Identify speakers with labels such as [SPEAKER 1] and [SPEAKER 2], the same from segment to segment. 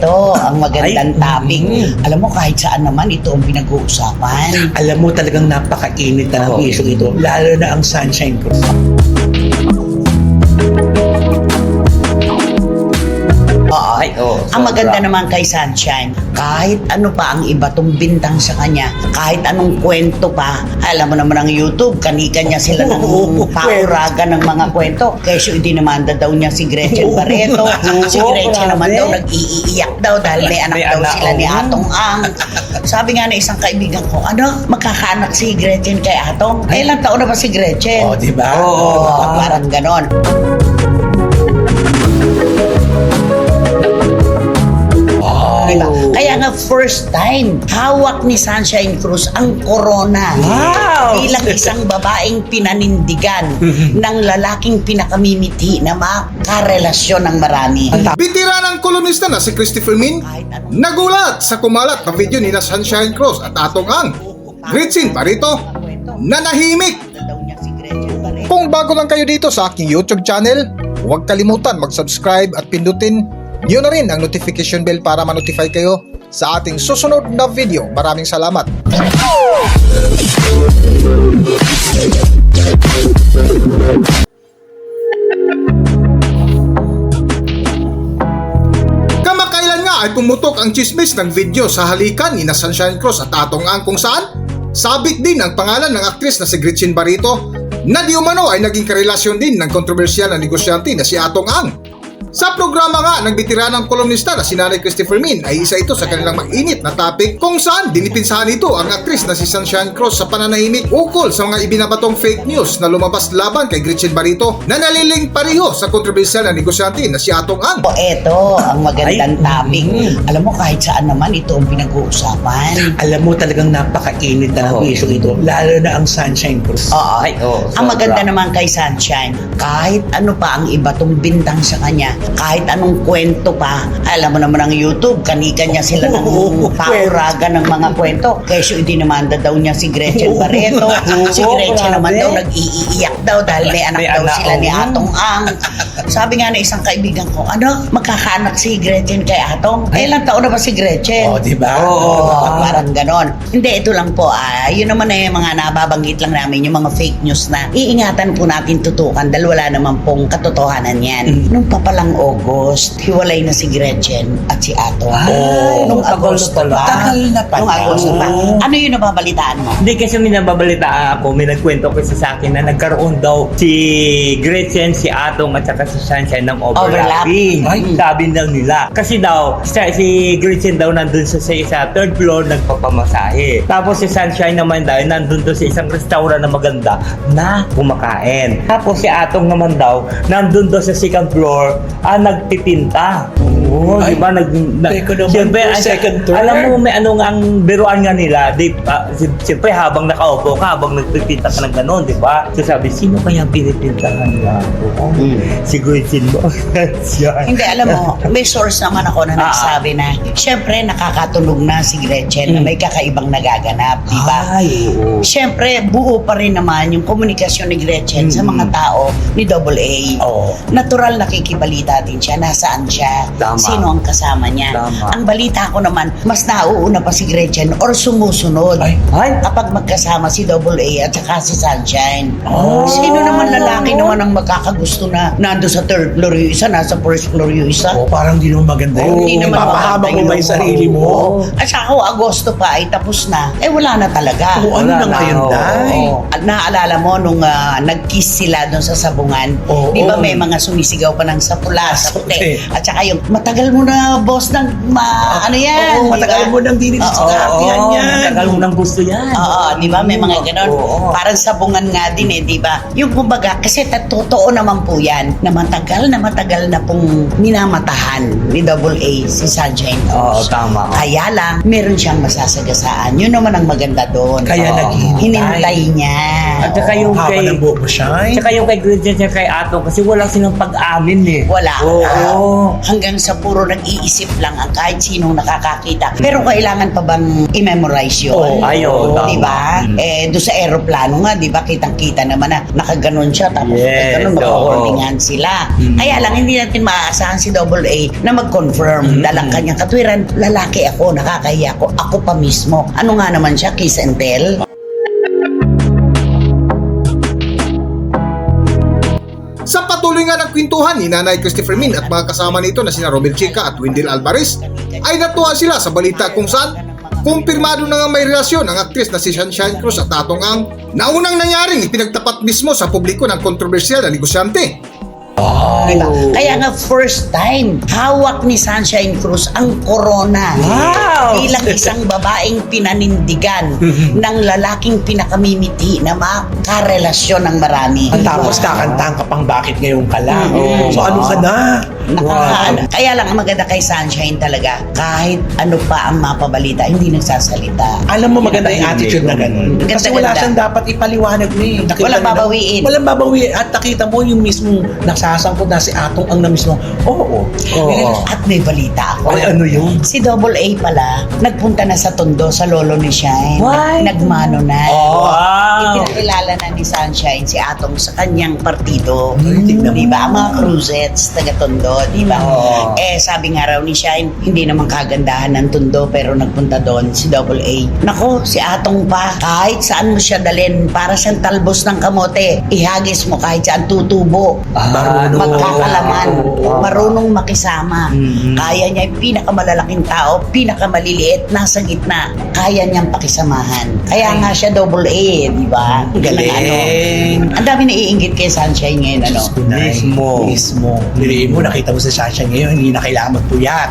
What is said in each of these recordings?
[SPEAKER 1] eto, ang magandang topic. Alam mo, kahit saan naman, ito ang pinag-uusapan.
[SPEAKER 2] Alam mo, talagang napakainit na ng issue ito. Lalo na ang Sunshine Cruise.
[SPEAKER 1] Ang maganda naman kay Sunshine, kahit ano pa ang iba tong bintang sa kanya, kahit anong kwento pa, alam mo naman ang YouTube, kanya sila ng pauragan ng mga kwento. Kesyo idinamanda daw niya si Gretchen Barreto. Si Gretchen naman daw nag-iiyak daw dahil may anak daw sila ni Atong Ang. Sabi nga na isang kaibigan ko, magkakaanak si Gretchen kay Atong? Ilang taon na ba si Gretchen?
[SPEAKER 2] Oh, di ba?
[SPEAKER 1] Parang ganon. Diba? Kaya nga first time, hawak ni Sunshine Cruz ang corona.
[SPEAKER 2] Wow!
[SPEAKER 1] Bilang isang babaeng pinanindigan ng lalaking pinakamimiti na makarelasyon ng marami.
[SPEAKER 3] Bitiranang kolumnista na si Christopher Min nagulat sa kumalat na video ni na Sunshine Cruz at Atong Ang. Gretchen Barreto nanahimik. Kung bago lang kayo dito sa aking YouTube channel, huwag kalimutan mag-subscribe at pindutin niyo na rin ang notification bell para ma-notify kayo sa ating susunod na video. Maraming salamat. Kamakailan nga ay pumutok ang chismis ng video sa halikan ni na Sunshine Cruz at Atong Ang kung saan sabit din ang pangalan ng aktris na si Gretchen Barreto na di umano ay naging karelasyon din ng kontrobersyal na negosyante na si Atong Ang. Sa programa nga ng bitiranang kolumnista na si Nanay Christopher Min ay isa ito sa kanilang mag-init na topic kung saan dinipinsahan ito ang aktris na si Sunshine Cruz sa pananahimik ukol sa mga ibinabatong fake news na lumabas laban kay Gretchen Barreto na naliling pareho sa kontrobersyal na negosyante na si Atong Ang.
[SPEAKER 1] Eto, ang magandang topic. Alam mo, kahit saan naman, ito ang pinag-uusapan.
[SPEAKER 2] Alam mo, talagang napakainit na ng issue ito. Lalo na ang Sunshine Cruise.
[SPEAKER 1] Ang maganda naman kay Sunshine, kahit ano pa ang iba tong bintang sa kanya, kahit anong kwento pa, alam mo naman ang YouTube, kanya sila ng pauragan ng mga kwento. Kesyo idinamanda daw niya si Gretchen Barreto. Si Gretchen naman daw nag-iiyak daw dahil may anak daw sila ni Atong Ang. Sabi nga na isang kaibigan ko, magkakaanak si Gretchen kay Atong? Ilang taon na ba si Gretchen?
[SPEAKER 2] Oh, di ba?
[SPEAKER 1] Parang ganon. Hindi, ito lang po. Yun naman mga nababanggit lang namin, yung mga fake news na iingatan po natin tutukan dahil wala naman pong katotohanan yan. Nung papalang August, hiwalay na si Gretchen at si Atong. Nung Agosto pa.
[SPEAKER 2] Tagal na pala.
[SPEAKER 1] Nung Agosto pa. Ano yung nababalitaan mo?
[SPEAKER 4] Hindi, kasi may nababalitaan ako, may nagkwento kasi sa akin na nagkaroon daw si Gretchen, si Atong at saka si Sunshine ng overlapping. Sabi daw nila. Kasi daw, si Gretchen daw nandun sa isa, third floor, nagpapamasahe. Tapos si Sunshine naman daw, nandun doon sa isang restaurant na maganda na kumakain. Tapos si Atong naman daw, nandun doon sa second floor, nagpipinta. Di ba? Siyempre,
[SPEAKER 2] second floor.
[SPEAKER 4] alam mo, may ano nga ang biruan nga nila. Siyempre, habang nakaupo ka, habang nagpipinta ka ng gano'n, di ba? So sabi, sino kaya pinipintahan niya ako? Si Gretchen mo.
[SPEAKER 1] Hindi, alam mo, may source naman ako na nagsabi na, siyempre, nakakatunog na si Gretchen na may kakaibang nagaganap, di ba? Siyempre, buo pa rin naman yung komunikasyon ni Gretchen sa mga tao ni AA. Natural nakikibalita din siya, nasaan siya, sino ang kasama niya. Ang balita ko naman, mas nauuna pa si Gretchen or sumusunod kapag magkasama si AA at saka si Sunshine. Sino naman lalaki naman ang makakagusto na nando sa third floor yung isa, nasa first floor yung isa?
[SPEAKER 2] Parang di naman maganda yun.
[SPEAKER 1] Hindi naman
[SPEAKER 2] Papahamak mo ba yung sarili mo?
[SPEAKER 1] At saka Agosto pa ay tapos na. Wala na talaga.
[SPEAKER 2] Ano na ngayon, Day?
[SPEAKER 1] Naalala mo nung nag-kiss sila doon sa sabungan, di ba may mga sumisigaw pa ng sa pula, sa puti. At saka yung matagal mo na boss ng ano yan.
[SPEAKER 2] Matagal mo nang dinit sa katihan yan.
[SPEAKER 4] Matagal mo nang gusto yan.
[SPEAKER 1] Di ba may mga ganon. Parang sabungan nga din di ba? Yung kumbaga, kasi totoo naman po yan na matagal na pong minamatahan ni AA si Sunshine Cruz.
[SPEAKER 4] Tama.
[SPEAKER 1] Kaya lang, meron siyang masasagasaan. Yun naman ang maganda doon.
[SPEAKER 2] Kaya
[SPEAKER 1] hinintay niya.
[SPEAKER 4] At saka yung
[SPEAKER 2] Haba ng buhok mo, Shine.
[SPEAKER 4] Tsaka yung kay Gretchen at kay Atong kasi wala silang pag-amin
[SPEAKER 1] Wala. wala. Hanggang sa puro nag-iisip lang ang kahit sinong nakakakita. Pero kailangan pa bang i-memorize yun? Di ba? Doon sa aeroplano nga, di ba, kitang-kita naman na nakaganon siya, tapos ganun, mag-warningan sila. Kaya lang, hindi natin maaasahan si AA na mag-confirm dalang kanyang katwiran, lalaki ako, nakakahiya ako pa mismo. Ano nga naman siya, kiss and tell?
[SPEAKER 3] Sa patuloy nga ng kwentuhan ni Nanay Christopher Min at mga kasama nito na sina Romel Chica at Wendell Alvarez, ay natuwa sila sa balita kung saan kumpirmado na nga may relasyon ang aktris na si Sunshine Cruz at Atong Ang na unang nangyaring ipinagtapat mismo sa publiko ng kontrobersyal na negosyante.
[SPEAKER 1] Diba? Kaya nga first time, hawak ni Sunshine Cruz ang corona. Bilang isang babaeng pinanindigan ng lalaking pinakamimiti na makarelasyon ng marami.
[SPEAKER 2] Tapos kakantahan ka pang bakit ngayon ka lang. So ano ka na?
[SPEAKER 1] Kaya lang ang maganda kay Sunshine talaga, kahit ano pa ang mapabalita, hindi nagsasalita.
[SPEAKER 2] Alam mo maganda yung attitude na gano'n. Kasi wala siyang dapat ipaliwanag ni.
[SPEAKER 1] Walang babawiin.
[SPEAKER 2] Walang babawiin. At nakita mo yung mismong nagsasangkot na si Atong Ang na mismo. Oo.
[SPEAKER 1] At may balita ako.
[SPEAKER 2] Ay, ano yun?
[SPEAKER 1] Si AA pala, nagpunta na sa Tondo sa lolo ni Shine. Nagmano na. Itinakilala na ni Sunshine si Atong sa kanyang partido. Diba? Ang mga Cruzets, taga Tondo, diba? Sabi nga raw ni Shine, hindi naman kagandahan ng Tondo pero nagpunta doon si AA. Nako, si Atong pa, kahit saan mo siya dalhin, para siyang talbos ng kamote, ihagis mo kahit saan tutubo. Magkakalaman, marunong makisama. Kaya niya yung pinakamalalaking tao, pinakamaliliit, nasa gitna, kaya niyang pakisamahan. Kaya nga siya AA, di ba? Galing. Ang dami naiinggit kay Sunshine ngayon, ano?
[SPEAKER 2] Mismo. Niliin mo, nakita mo sa Sunshine ngayon, hindi na kailangan magpuyat.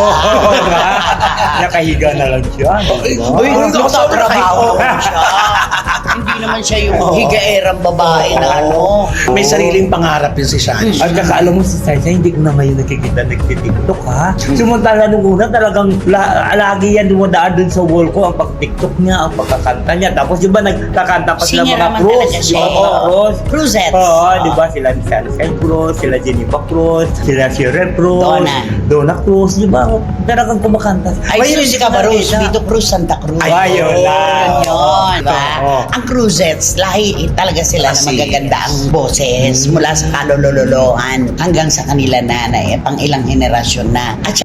[SPEAKER 4] Nakahiga na lang siya.
[SPEAKER 1] Nagtatrabaho naman siya. Hindi naman siya yung higaerang babae na ano.
[SPEAKER 2] May sariling pangarap yun si Sunshine.
[SPEAKER 4] At saka alam mo si Sunshine, hindi ko na ngayon nakikita nagtitiktok ha. Sumantala nung una talagang lagi yan dumadaan dun sa wall ko ang pag-tiktok niya, ang pagkakanta niya. Tapos di ba nagkakanta pa sila mga Cruz?
[SPEAKER 1] Cruzets.
[SPEAKER 4] Di ba sila ni Sunshine Cruz, sila Jennifer Cruz, sila Sharon Cruz, Donna Cruz, di ba? Talagang kumakanta.
[SPEAKER 1] Ay, Suzy Cabarrus, Vito Cruz, Santa Cruz.
[SPEAKER 4] Ayun lang.
[SPEAKER 1] Yun, diba? Ang Cruzets, lahi talaga sila na magaganda ang boses mula sa kalololohan hanggang sa kanila nanay, pang ilang henerasyon na. At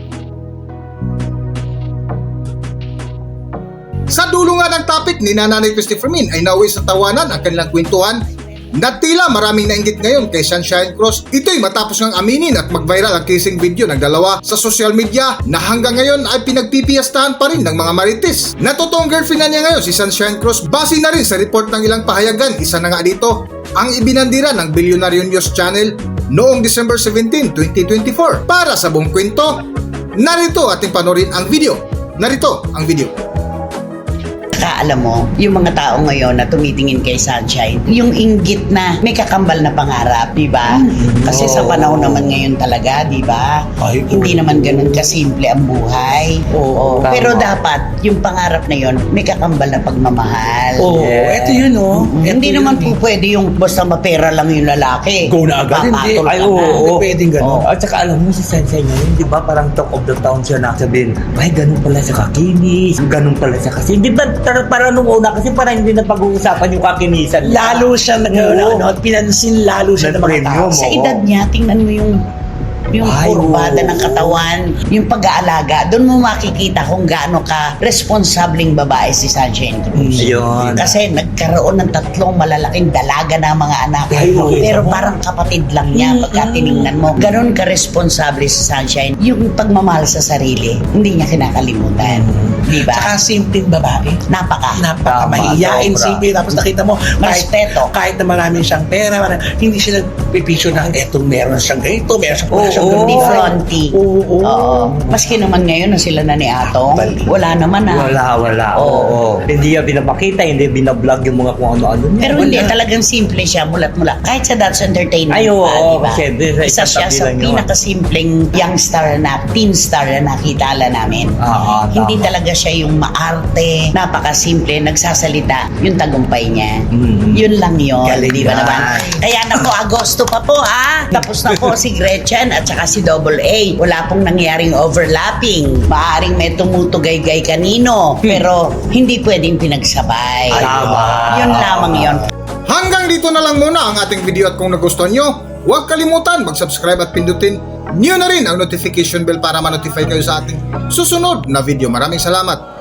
[SPEAKER 3] Sa dulo nga ng topic ni Nanay Christopher Min ay nauwi sa tawanan ang kanilang kwentuhan na tila maraming nainggit ngayon kay Sunshine Cruz. Ito'y matapos ngang aminin at mag-viral ang kissing video ng dalawa sa social media na hanggang ngayon ay pinagpipiyastahan pa rin ng mga marites. Na totoong girlfriend na niya ngayon si Sunshine Cruz. Base na rin sa report ng ilang pahayagan, isa na nga dito ang ibinandira ng Billionaire News Channel noong December 17, 2024. Para sa buong kwento, narito ating panorin ang video. Narito ang video.
[SPEAKER 1] alam mo, yung mga tao ngayon na tumitingin kay Sunshine, yung inggit na may kakambal na pangarap, di ba? Kasi sa panahon naman ngayon talaga, di ba? Hindi naman ganun kasimple ang buhay. Oo. Pero dapat, yung pangarap na yun, may kakambal na pagmamahal.
[SPEAKER 2] Oo, eto yun, oh.
[SPEAKER 1] Hindi naman po pwede yung basta mapera lang yung lalaki.
[SPEAKER 2] Go na agad. Hindi.
[SPEAKER 1] Papatol
[SPEAKER 2] Ay,
[SPEAKER 1] ka
[SPEAKER 2] oo.
[SPEAKER 1] na.
[SPEAKER 2] Hindi pwedeng gano'n.
[SPEAKER 4] At saka alam mo si Sensei ngayon, di ba parang talk of the town siya nakasabihin, ay ganun pala siya kakinis, ganun pala siya kasi. Di ba parang nung una kasi parang hindi na pag-uusapan yung kakinisan.
[SPEAKER 2] Lalo siya pinansin lalo siya ng mga tao.
[SPEAKER 1] Sa edad niya, tingnan mo yung kurbada ng katawan, yung pag-aalaga, doon mo makikita kung gaano ka responsableng babae si Sunshine Cruz.
[SPEAKER 4] Ayun.
[SPEAKER 1] Kasi nagkaroon ng 3 malalaking dalaga na mga anak. Pero parang kapatid lang niya pagka tinignan mo. Ganon ka responsable si Sunshine. Yung pagmamahal sa sarili, hindi niya kinakalimutan. Di ba?
[SPEAKER 2] Saka simpleng babae.
[SPEAKER 1] Napaka
[SPEAKER 2] Mahihiyain, simple. Tapos nakita mo,
[SPEAKER 1] Respeto.
[SPEAKER 2] kahit na marami siyang pera, hindi siya nagpipicture na etong meron siyang ganito, meron siyang siyang
[SPEAKER 1] Hindi
[SPEAKER 2] ganun.
[SPEAKER 1] fronty. Oo. Maski naman ngayon na sila na ni Atong, wala naman
[SPEAKER 4] Wala. Oo. Hindi niya pinapakita, hindi binablog yung mga kung ano-ano niya.
[SPEAKER 1] Pero hindi, talagang simple siya, mulat-mula. Kahit sa That's Entertainment
[SPEAKER 4] Ay, oo,
[SPEAKER 1] diba?
[SPEAKER 4] kasi doon sa
[SPEAKER 1] Isa
[SPEAKER 4] isang
[SPEAKER 1] siya
[SPEAKER 4] tabi
[SPEAKER 1] sa
[SPEAKER 4] lang yun.
[SPEAKER 1] pinakasimpleng young star teen star na nakitala namin. Hindi
[SPEAKER 4] tama.
[SPEAKER 1] talaga siya yung maarte, napakasimple, nagsasalita, yung tagumpay niya. Yun lang yun,
[SPEAKER 2] Galing
[SPEAKER 1] di ba
[SPEAKER 2] yan.
[SPEAKER 1] naman? Kaya naku, Agosto pa po ha. Tapos na po si Gretchen at saka si Double A. Wala pong nangyaring overlapping. Maaring may tumutugay-gay kanino, pero hindi pwedeng pinagsabay.
[SPEAKER 4] Tama.
[SPEAKER 1] Yun lamang yun.
[SPEAKER 3] Hanggang dito na lang muna ang ating video at kung nagustuhan nyo, huwag kalimutan mag-subscribe at pindutin nyo na rin ang notification bell para ma-notify kayo sa ating susunod na video. Maraming salamat!